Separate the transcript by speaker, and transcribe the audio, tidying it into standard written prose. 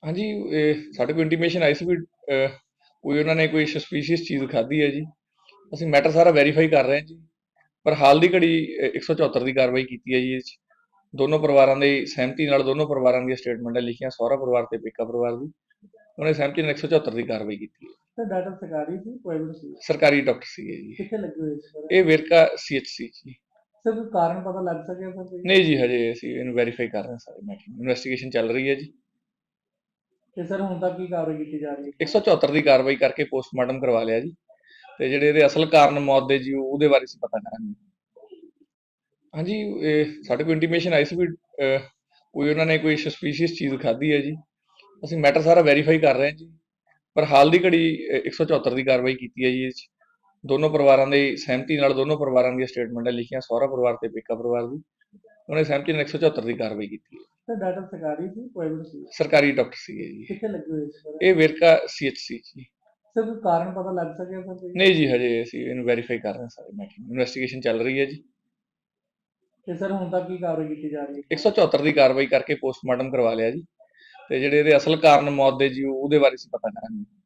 Speaker 1: ਹਾਂਜੀ, ਸਾਡੇ ਕੋਲ ਇੰਟੀਮੇਸ਼ਨ ਆਈ ਸੀ ਵੀ ਕੋਈ ਉਹਨਾਂ ਨੇ ਕੋਈ ਸਸਪੀਸ਼ੀਅਸ ਚੀਜ਼ ਖਾਧੀ ਹੈ ਜੀ। ਅਸੀਂ ਮੈਟਰ ਸਾਰਾ ਵੈਰੀਫਾਈ ਕਰ ਰਹੇ ਹਾਂ ਜੀ। ਪਰ ਹਾਲ ਦੀ ਘੜੀ 174 ਦੀ ਕਾਰਵਾਈ ਕੀਤੀ ਹੈ ਜੀ ਇਹ 'ਚ। ਦੋਨੋਂ ਪਰਿਵਾਰਾਂ ਦੀ ਸਹਿਮਤੀ ਨਾਲ ਦੋਨੋਂ ਪਰਿਵਾਰਾਂ ਦੀਆਂ ਸਟੇਟਮੈਂਟਾਂ ਲਿਖੀਆਂ, ਸਹੁਰਾ ਪਰਿਵਾਰ ਤੇ ਪੇਕਾ ਪਰਿਵਾਰ ਦੀ। ਉਹਨੇ ਸਹਿਮਤੀ ਨਾਲ 174 ਦੀ ਕਾਰਵਾਈ ਕੀਤੀ ਹੈ।
Speaker 2: ਸਰ ਡਾਕਟਰ ਸਰਕਾਰੀ ਸੀ ਪ੍ਰਾਈਵੇਟ ਸੀ?
Speaker 1: ਸਰਕਾਰੀ ਡਾਕਟਰ ਸੀਗੇ ਜੀ।
Speaker 2: ਕਿੱਥੇ ਲੱਗੇ ਹੋਏ ਸੀ ਸਰ?
Speaker 1: ਇਹ ਵੇਰਕਾ CHC ਜੀ।
Speaker 2: ਸਰ ਕੋਈ ਕਾਰਨ ਪਤਾ ਲੱਗ ਸਕਿਆ ਸਰ ਕੋਈ?
Speaker 1: ਨਹੀਂ ਜੀ, ਹਜੇ ਅਸੀਂ ਇਹਨੂੰ ਵੈਰੀਫਾਈ ਕਰ ਰਹੇ ਹਾਂ ਸਾਰੇ ਮੈਟਰ। ਇਨਵੈਸਟੀਗੇਸ਼ਨ ਚੱਲ ਰਹੀ ਹੈ ਜੀ।
Speaker 2: ਤੇ ਸਰ ਹੁਣ ਤੱਕ ਕੀ ਕਾਰਵਾਈ ਕੀਤੀ ਜਾ ਰਹੀ ਹੈ?
Speaker 1: 174 ਦੀ ਕਾਰਵਾਈ ਕਰਕੇ ਪੋਸਟਮਾਰਟਮ ਕਰਵਾ ਲਿਆ ਜੀ। ਤੇ ਜਿਹੜੇ ਇਹਦੇ ਅਸਲ ਕਾਰਨ ਮੌਤ ਦੇ ਜੀ ਉਹਦੇ ਬਾਰੇ ਅਸੀਂ ਪਤਾ ਕਰਾਂਗੇ। ਹਾਂਜੀ, ਸਾਡੇ ਕੋਲ ਇੰਟੀਮੇਸ਼ਨ ਆਈ ਸੀ ਵੀ ਕੋਈ ਉਹਨਾਂ ਨੇ ਕੋਈ ਸਸਪੀਸ਼ੀਅਸ ਚੀਜ਼ ਖਾਧੀ ਹੈ ਜੀ। ਅਸੀਂ ਮੈਟਰ ਸਾਰਾ ਵੈਰੀਫਾਈ ਕਰ ਰਹੇ ਹਾਂ ਜੀ। ਪਰ ਹਾਲ ਦੀ ਘੜੀ 174 ਦੀ ਕਾਰਵਾਈ ਕੀਤੀ ਹੈ ਜੀ ਇਹ 'ਚ। ਦੋਨੋਂ ਪਰਿਵਾਰਾਂ ਦੀ ਸਹਿਮਤੀ ਨਾਲ ਦੋਨੋਂ ਪਰਿਵਾਰਾਂ ਦੀਆਂ ਸਟੇਟਮੈਂਟਾਂ ਲਿਖੀਆਂ, ਸਹੁਰਾ ਪਰਿਵਾਰ ਤੇ ਪੇਕਾ ਪਰਿਵਾਰ ਦੀ। ਉਹਨੇ ਸਹਿਮਤੀ ਨਾਲ 174 ਦੀ ਕਾਰਵਾਈ ਕੀਤੀ ਹੈ।
Speaker 2: ਸਰ ਡਾਕਟਰ ਸਰਕਾਰੀ ਸੀ ਪ੍ਰਾਈਵੇਟ ਸੀ?
Speaker 1: ਸਰਕਾਰੀ ਡਾਕਟਰ ਸੀਗੇ ਜੀ।
Speaker 2: ਕਿੱਥੇ ਲੱਗੇ ਹੋਏ ਸੀ ਸਰ?
Speaker 1: ਇਹ ਵੇਰਕਾ CHC ਜੀ।
Speaker 2: ਸਰ ਕੋਈ ਕਾਰਨ ਪਤਾ ਲੱਗ ਸਕਿਆ ਸਰ ਕੋਈ?
Speaker 1: ਨਹੀਂ ਜੀ, ਹਜੇ ਅਸੀਂ ਇਹਨੂੰ ਵੈਰੀਫਾਈ ਕਰ ਰਹੇ ਹਾਂ ਸਾਰੇ ਮੈਟਰ। ਇਨਵੈਸਟੀਗੇਸ਼ਨ ਚੱਲ ਰਹੀ ਹੈ ਜੀ।
Speaker 2: ਤੇ ਸਰ ਹੁਣ ਤੱਕ ਕੀ ਕਾਰਵਾਈ ਕੀਤੀ ਜਾ ਰਹੀ ਹੈ?
Speaker 1: 174 ਦੀ ਕਾਰਵਾਈ ਕਰਕੇ ਪੋਸਟਮਾਰਟਮ ਕਰਵਾ ਲਿਆ ਜੀ। ਤੇ ਜਿਹੜੇ ਇਹਦੇ ਅਸਲ ਕਾਰਨ ਮੌਤ ਦੇ ਜੀ ਉਹਦੇ ਬਾਰੇ ਅਸੀਂ ਪਤਾ ਕਰਾਂਗੇ।